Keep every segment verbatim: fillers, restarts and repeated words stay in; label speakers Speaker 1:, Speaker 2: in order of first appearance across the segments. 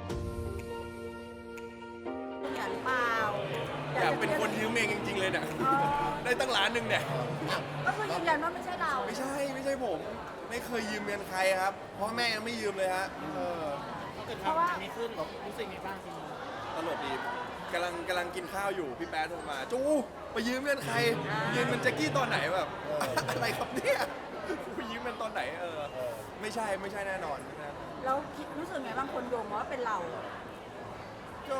Speaker 1: อยากหรือเปล่า
Speaker 2: อยากเป็นคนยืมเองจริงๆเลยเนี่ยได้ตั้งล้านหนึ่งเนี่ย
Speaker 1: ก็คือยืนยันว่าไม่ใช่เรา
Speaker 2: ไม่ใช่ไม่ใช่ผมไม่เคยยืมเงินใครครับพ่อแม่ยังไม่ยืมเลยฮะเออ
Speaker 3: เกิดความอันนี้ขึ้นรู้สึกไงบ้างจริง
Speaker 2: ตลกดีกำลังกำลังกินข้าวอยู่พี่แป๊ดโทรมาจูไปยืมเงินใครยืมเงินแจ็คกี้ตอนไหนแบบอะไรครับเนี่ยไปยืมเงินตอนไหนเออไม่ใช่ไม่ใช่แน่นอนนะ
Speaker 1: แล้วคิดรู้สึกไงบางคนโยงว่าเป็นเรา
Speaker 2: ก็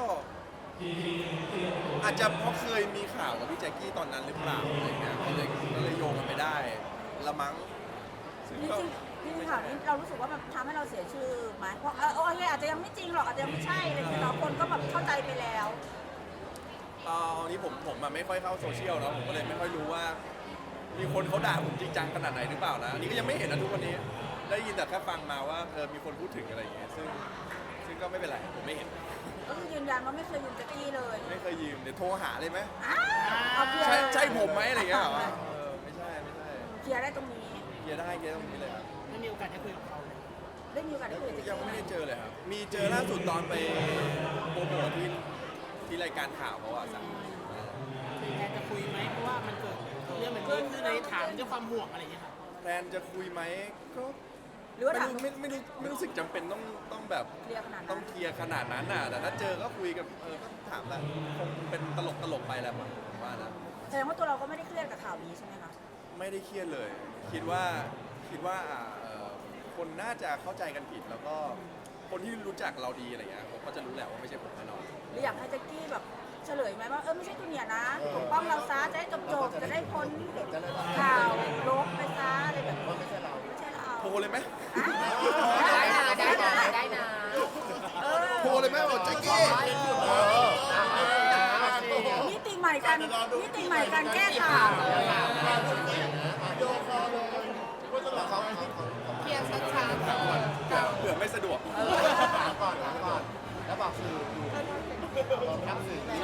Speaker 2: อาจจะเพราะเคยมีข่าวกับพี่แจ็คกี้ตอนนั้นหรือเปล่าอะไรเงี้ยก็เลยก็เลยโยงกันไปได้ละมั้งซึ่ง
Speaker 1: จริง
Speaker 2: ก็
Speaker 1: จริงจริงข่าวนี้เรารู้สึกว่ามันทำให้เราเสียชื่อไหมเพราะเออโอเคอาจจะยังไม่จริงหรอกอาจจะยังไม่ใช่อะไรอย่างเงี้ยเนาะคนก็แบบเข้าใจไปแล้ว
Speaker 2: เอ่ออันนี้ผมผมอะไม่ค่อยเข้าโซเชียลเนาะผมก็เลยไม่ค่อยรู้ว่า มีคนเขาด่าผมจริงจังขนาดไหนหรือเปล่านะอันนี้ก็ยังไม่เห็นนะทุกวันนี้ได้ยินแต่แค่ฟังมาว่าเออมีคนพูดถึงอะไรอย่างเงี้ยซึ่งซึ่งก็ไม่เป็นไรผมไม่เห็น
Speaker 1: ก็คือยืนยันว่าไม่เคยยืมแจ็คกี้เลย
Speaker 2: ไม่เคยยืมเดี๋ยวโทรหาเลยไหม
Speaker 1: อ้าวเอาเคลียร์
Speaker 2: ใช่
Speaker 1: เลย
Speaker 2: ใช่ผมไหมอะไรอย่างเงี้ยเหรอเออไม่ใช่ไม่ใช่
Speaker 1: เคลียร์ได้ตรงนี้
Speaker 2: เคลียร์ได้เคลียร์ตรงนี้เลยครับ
Speaker 3: ๆไม่มีโอกาสได้คุยกับเขาเลย
Speaker 1: ได้มีโอกาสได้คุยกับแจ็ค
Speaker 2: ยัง
Speaker 1: กี้
Speaker 2: ไม่ได้เจอเลยครับมีเจอล่าสุดตอนไปโปรโมทที่ที่รายการข่าวเขาอะสั่ง
Speaker 3: คือแทนจะคุยไหมเพราะว่ามันเกิดเรื่องแบบนี้ขึ้นในถามด้วยความห่วงอะไรอย่างเงี้ยครับ
Speaker 2: แพลนจะคุยไหมก็
Speaker 1: หรือว่า
Speaker 2: ไม่
Speaker 1: ถาม
Speaker 2: รู้ไม่ไม่รู้ไม่รู้สึกจำเป็นต้องต้องแบบ
Speaker 1: เคลียร์ขนาด
Speaker 2: ต้
Speaker 1: นั้
Speaker 2: อง
Speaker 1: น
Speaker 2: เคลียร์ขนาดนั้นน่ะแต่ถ้าเจอก็คุยกับเออก็ถามแหละคงเป็นตลกตลกไปแหละผมว่านะ
Speaker 1: แสดงว่าตัวเราก็ไม่ได้เครียดกับข่าวนี้ใช่ไหมคะ
Speaker 2: ไม่ได้เครียดเลย คิดว่าคิดว่าอ่าเอ่อคนน่าจะเข้าใจกันผิดแล้วก็คนที่รู้จักเราดีอะไรเงี้ยเขาก็จะรู้แหละว่าไม่ใช่ผมแน่นอน
Speaker 1: หรืออยากให้แจ็คกี้แบบเฉลยไหมว่าเออไม่ใช่จูเนียร์นะปกป้องเราซะจะได้จบจบๆจะได้พ้นข่าวลบไปซะอะไรแบบนี้ไม่ใช่เราไม่ใช่เรา
Speaker 2: โทรเลยไหม
Speaker 1: ได้นะได้นะได้นะเออ
Speaker 2: โทรเลยไหมบอกแจ็คกี้
Speaker 1: มิติใหม่กันมิติใหม่การแก้ข่าว
Speaker 4: เคลียร์ชัดๆ
Speaker 2: เผื่อไม่สะดวก
Speaker 4: ก่อนนะก่อน แล้วบอกสื่ออยู่บอกทับสื่ออยู่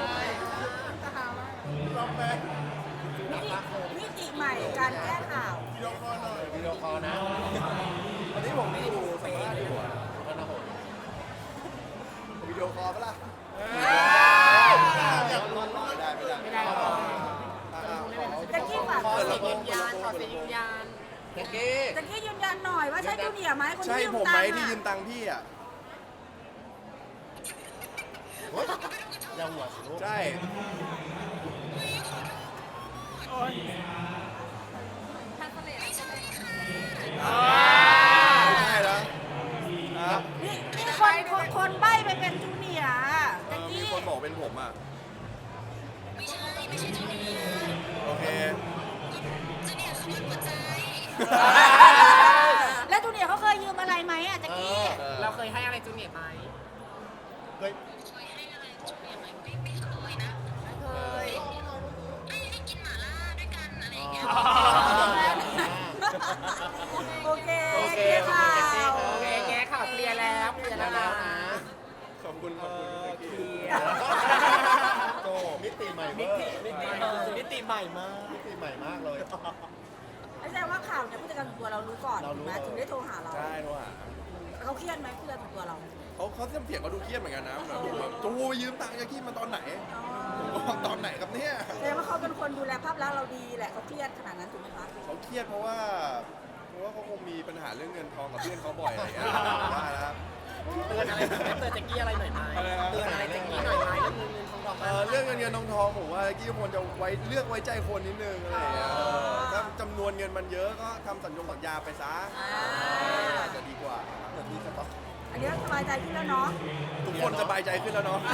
Speaker 1: มิติใหม่การแก้ข่าว
Speaker 4: วิดีโอคอลนะ
Speaker 2: วันนี้ผมดูสัมภาษณ์อยู่อะ
Speaker 4: พนหง
Speaker 2: วิดีโอคอลปะล่ะ
Speaker 4: อยากรู้
Speaker 2: ไม่ได้ไม่ได้
Speaker 3: ไม่ได้หรอก
Speaker 1: แจ็คกี้ฝาก
Speaker 4: ขอ
Speaker 1: ขอ
Speaker 4: เสี
Speaker 1: เสี
Speaker 4: ย
Speaker 1: ย
Speaker 4: ง
Speaker 1: ง
Speaker 4: ยืนยันขอเสียงยืนยันเจ๊กี้
Speaker 1: แจ็คกี้ยืนยันหน่อยว่าใช่จูเนียร์ไหมคน
Speaker 2: ใช่
Speaker 1: ที่ยืม
Speaker 2: ผม
Speaker 1: ตั
Speaker 2: ไหม
Speaker 1: งค์
Speaker 2: ที่ยื
Speaker 1: อะ
Speaker 2: มตังค์พี่อ่ะ
Speaker 4: เฮ้ยอย่าหัวสิลูก
Speaker 2: ใช่
Speaker 3: โอ๊ย
Speaker 2: ไม่ใช่แล้วครับ
Speaker 1: นี่นี่คนคนคนใบ้ไปเป็นจูเนียร์อะ
Speaker 2: เอ
Speaker 1: แจ็ค
Speaker 2: อมี
Speaker 1: กี้
Speaker 2: คนบอกเป็นผมอ่ะ ไม่ใช่ ไม่ใช่จูเนียร์โอเค
Speaker 1: แล้วจูเนียร์เขาเคยยืมอะไรไหมอะแจ็คกี้
Speaker 3: เราเคยให้อะไรจูเนียร์ไหม
Speaker 4: เฮ้ย
Speaker 1: โอเค
Speaker 4: โอเค
Speaker 1: ค่ะ
Speaker 3: โอเคแกข่าวเคลียร์แล้วเคลียร์แล้วนะ
Speaker 2: ขอบคุณขอบคุณพี่แจ็คกี้
Speaker 4: โตมิติใหม่
Speaker 3: มิ
Speaker 4: เวอ
Speaker 3: ติ
Speaker 4: ร์
Speaker 3: มิติมิติใหม่มาก
Speaker 4: มิติใหม่มากเลย
Speaker 1: แสดงว่าข่าวเนี่ยผู้จัดการส่วนตัวเรารู้ก่อน
Speaker 4: เรารู้
Speaker 1: ถูกไหมถึงได้โทรหาเรา
Speaker 2: ใช่โทรหา
Speaker 1: เขาเครียดไหมผู้จัดการส่วนตัวเรา
Speaker 2: เขาเขาเสียงเสียงเขาดูเครียดเหมือนกันนะเหมือนผมแบบจูไปยืมตังค์แจ็คกี้มาตอนไหนผมก็บอกตอนไหนครับเนี่ย
Speaker 1: แสดงว่าเขาเป็นคนดูแลภาพลักษณ์เราดีแหละเขาเครียดขนาดนั้นถูกไหมคะ
Speaker 2: เขาเครียดเพราะว่าเพราะว่าเขาคงมีปัญหาเรื่องเงินทองกับเพื่อนเขาบ่อยอะไรอย่างเงี้ยว่านะครับ
Speaker 3: เตือนอะไรไหมเตือนแจ็คกี้อะไรหน่อยไหม
Speaker 2: อะไรนะ
Speaker 3: เตือนอะไรแจ็คกี้หน่อยไหมเรื่องเงินเงินทองทอง
Speaker 2: เอ่อเรื่องเงินเงินทองทองผมว่ากี้ควรจะไว้เลือกไว้ใจคนนิดนึงอะไรอย่างเงี้ยถ้าจำนวนเงินมันเยอะก็ทำสัญญงสัญญาไปซะอาจจะดีกว่า
Speaker 4: เหมือนมีสต็อก
Speaker 1: อันนี้สบายใจขึ้นแล้วเนาะ
Speaker 2: ทุกคนสบายใจขึ้นแล้วเนาะ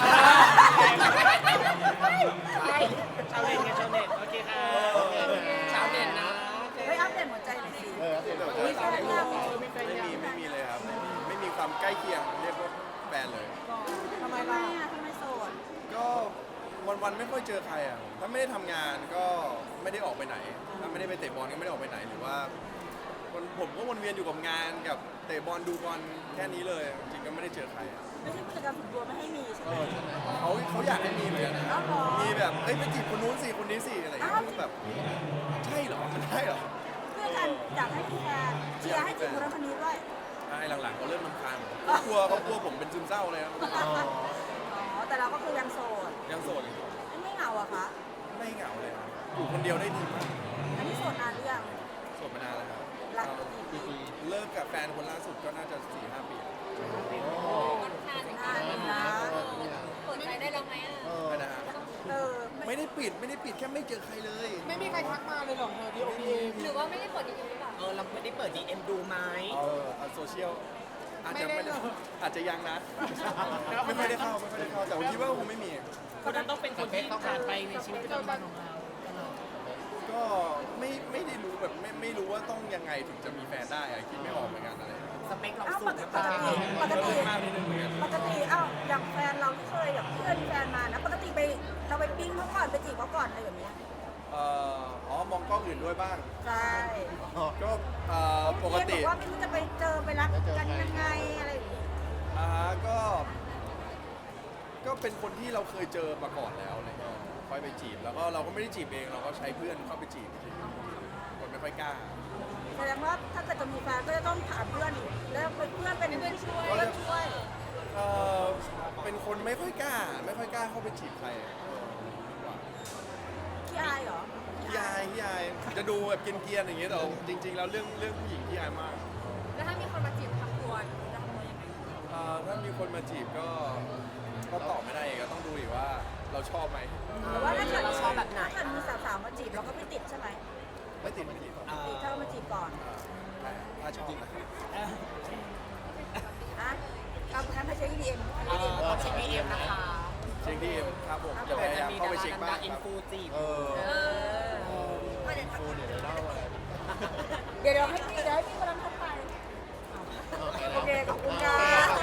Speaker 3: ชาวเน็ตไงชาวเน็ตโอเคค่ะชาวเน็ตนะ
Speaker 1: เฮ้ยอัปเดตหัวใจหน่อยสิ
Speaker 4: เออเดี๋ยว
Speaker 1: มีแฟนยัง
Speaker 3: มีแฟน
Speaker 2: ไม่
Speaker 3: ยัง
Speaker 2: มีไม่มีเลยครับไม่มีไม่มีความใกล้เคียงเรียกว่าแฟนเลย
Speaker 1: ทำไมล่ะทำไมโสด
Speaker 2: ก็วันวันๆไม่ค่อยเจอใครอ่ะถ้าไม่ได้ทำงานก็ไม่ได้ออกไปไหน ถ้าไม่ได้ไปเตะบอลก็ไม่ได้ออกไปไหนหรือว่าวันผมก็วนเวียนอยู่กับงานกับเตะบอลดูบอลแค่นี้เลยจริงๆก็ไม่ได้เจอใครอะ
Speaker 1: ไม่ใช่ผู้จัดการส่วนตัวไม่ให้มีใช่ไหม
Speaker 2: เขาเขาอยากให้มีเหมือนกันนะ
Speaker 1: อ้าวเหรอ
Speaker 2: มีแบบเอ้ยไปจีบคนนู้นสิคนนี้สิอะไรอย่างเงี้ย
Speaker 1: อ้าว
Speaker 2: คือแบบใช่เหรอมันใช่เหรอ
Speaker 1: เพื่อกันอยากให้มีแฟนเชียร์ให้จีบคนนั้นคนนี้ด้วย
Speaker 2: อช่หลังๆเขาเริ่มรำคาญเขากลัวเขากลัวผมเป็นซึมเศร้าเลยครับ
Speaker 4: อ๋อ
Speaker 1: อ๋อแต่เราก็คือยังโสด
Speaker 2: ยังโสดอยู่
Speaker 1: ไม่เหงาอะคะ
Speaker 2: ไม่เหงาเลยครับอยู่คนเดียวได้ดีมาก
Speaker 1: อันนี้โสดนานหรือยัง
Speaker 2: โสดมานานแล้วครับ
Speaker 1: รักกี่ปี
Speaker 2: เลิกกับแฟนคนล่าสุดก็น่าจะสี่ห้าปีแล้ว
Speaker 5: นาน
Speaker 1: นานอยู่นะ
Speaker 5: เปิดใจได้แล้วไหมอ่ะ
Speaker 4: เออ
Speaker 2: นะฮะ
Speaker 1: เออ
Speaker 2: ไม่ได้ปิดไม่ได้ปิดแค่ไม่เจอใครเลย
Speaker 3: ไม่มีใครทักมาเลยหรอกเธอที่โอพีเอ
Speaker 5: หรือว่าไม่ได้เปิดจริงๆหรือเปล่า
Speaker 3: เออเราไม่ได้เปิดดีเอ็มดูไหม
Speaker 2: เออเอาโซเชียลอาจจะ
Speaker 3: ไม่
Speaker 2: ไม่
Speaker 3: ได้
Speaker 2: ได้
Speaker 3: หรอก
Speaker 2: อาจจะยังนะ ไม่ค่อยได้เข้าไม่ค่อยได้เข้าแต่ว่าคิดว่าคงไม่มี
Speaker 3: คนนั้นต้องเป็นคนที่ผ่านไปในชีวิตประจำวันของเรา
Speaker 2: ก็ไม่ไม่ได้รู้แบบไม่ไม่รู้ว่าต้องยังไงถึงจะมีแฟนได้อะคิดไม่ออกเหมือนกันอะไร
Speaker 3: สเปคเรา
Speaker 1: เอ้า
Speaker 3: สู
Speaker 1: ป
Speaker 3: ง
Speaker 1: ก
Speaker 3: หรือ
Speaker 1: ติ
Speaker 3: เปล่า
Speaker 1: ปกติ
Speaker 2: มากนิดนึงเหมือนกัน
Speaker 1: ปกติเอ้าอย่างแฟนเราที่เคยแบบเพื่อนมีแฟนมานะปกติไปเราไปปิ้งเขาก่อนไปจีบเขาก่อนอะไรแบบเนี้ย
Speaker 2: เอ่ออ๋อมองกล้องอื่นด้วยบ้าง
Speaker 1: ใช่
Speaker 2: ก็เอ่อปกติ
Speaker 1: เพื่อนบอกว่าไม่รู้จะไปเจอไปรักกันยังไงอะไรอย่างเงี้ย
Speaker 2: อ่าก็ ก็เป็นคนที่เราเคยเจอมาก่อนแล้วอะไรเงี้ยค่อยไปจีบแล้วก็เราก็ไม่ได้จีบเองเราก็ใช้เพื่อนเข้าไปจีบคนไม่ค่อยกล้า
Speaker 1: แสดงว่าถ้าเกิดจะมีแฟนก็จะต้องถามเพื่อนอีกแล้วเป็นเพื่อนเป็นเพื่อนช่วยเพื่อนช่วย
Speaker 2: เออเป็นคนไม่ค่อยกล้า ไม่ค่อยกล้าเข้าไปจีบใครเออ
Speaker 1: ขี้อายเหรอ
Speaker 2: พี่อายพี่อายจะดูแบบเกรียนๆอย่างเงี้ยแต่จริง ๆ แล้วเรื่องเรื่องผู้หญิงพี่อายมาก
Speaker 5: แล้วถ้ามีคนมาจีบทำตัวจะทำตัวยังไง
Speaker 2: เอ่อถ้ามีคนมาจีบก็ก็ตอบไม่ได้อีกก็ต้องดูอีกว่าเราชอบไหม
Speaker 1: หรือว่าถ้าเกิดเราชอบแบบไหนถ้าเกิดมีสาวๆมาจีบเราก็ไม่ติดใช่ไหม
Speaker 2: ไม่ติดไม่ติดอ่า
Speaker 1: ติดถ้าเรามาจีบก่อน
Speaker 2: ถ้าชอบนะ
Speaker 1: นะเอางั้นไปเช็คดีเอ็ม
Speaker 3: เออต้องเช็คดีเอ็มนะคะ
Speaker 2: เช็คดีเอ็มครับผมจะพยายามเข้าไปเช็คบ้าง
Speaker 3: อิ
Speaker 2: คน รับ
Speaker 3: ฟูจีบ
Speaker 2: เออ
Speaker 1: เออ
Speaker 5: ก็เดี๋ยวทัก
Speaker 4: ฟูเนี่ยเล่าอะไร
Speaker 1: เดี๋ยวเดี๋ยวให้พี่เดี๋ยวให้พี่กำลังทักไป
Speaker 4: โอเค
Speaker 1: โอเคขอบคุณค่ะ
Speaker 4: ข